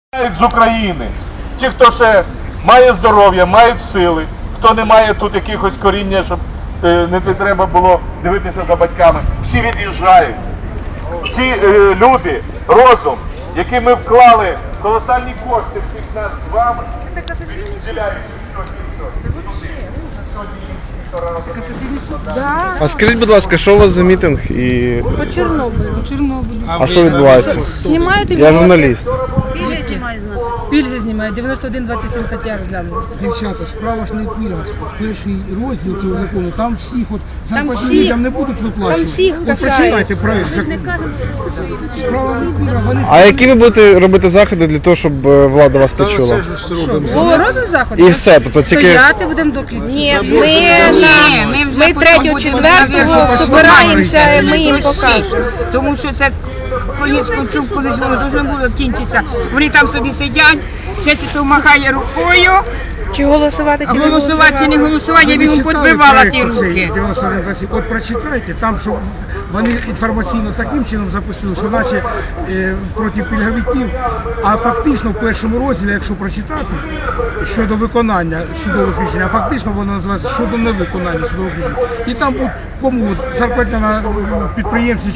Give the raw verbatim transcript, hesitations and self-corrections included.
З України. Ті, хто ще має здоров'я, мають сили, хто не має тут якихось коріння, щоб е, не треба було дивитися за батьками, всі від'їжджають. Ці е, люди, розум, який ми вклали колосальні кошти всіх нас з вами, відділяючи щось і щось. А скажіть, будь ласка, що у вас за мітинг і По Чорнобилю. По Чорнобилю. а що відбувається? Знімаєте? Я журналіст. Пільги знімають з нас. Пільги знімають. дев'яносто один двадцять сім стаття розглянули. Дівчата, справа ж не в пільгах. Перший розділ цього закону, там всіх от зарплатні всіх- людям не будуть виплачувати. там всіх От касається. прочитайте проект закону. Справа не в пільгах, вони А які ви будете робити заходи для того, щоб е, влада вас почула? Бо робимо заходи. І все, тобто тільки Стояти будемо до кінця. Ні, ми, на, ми третього, четвертого збираємося, ми їм покажемо. Тому що це конець концов, колись воно дуже було кінчиться. Вони там собі сидять, ще чи то махає рукою, Чи голосувати, а чи не голосувати чи не голосувати, я б йому читали підбивала проект ті оцей руки. дев'яносто один двадцять сім? От прочитайте, там, що вони інформаційно таким чином запустили, що наче е, проти пільговиків, а фактично в першому розділі, якщо прочитати, щодо виконання судових рішень, а фактично воно називається щодо невиконання судових рішень. І там будуть кому зарплатня на підприємці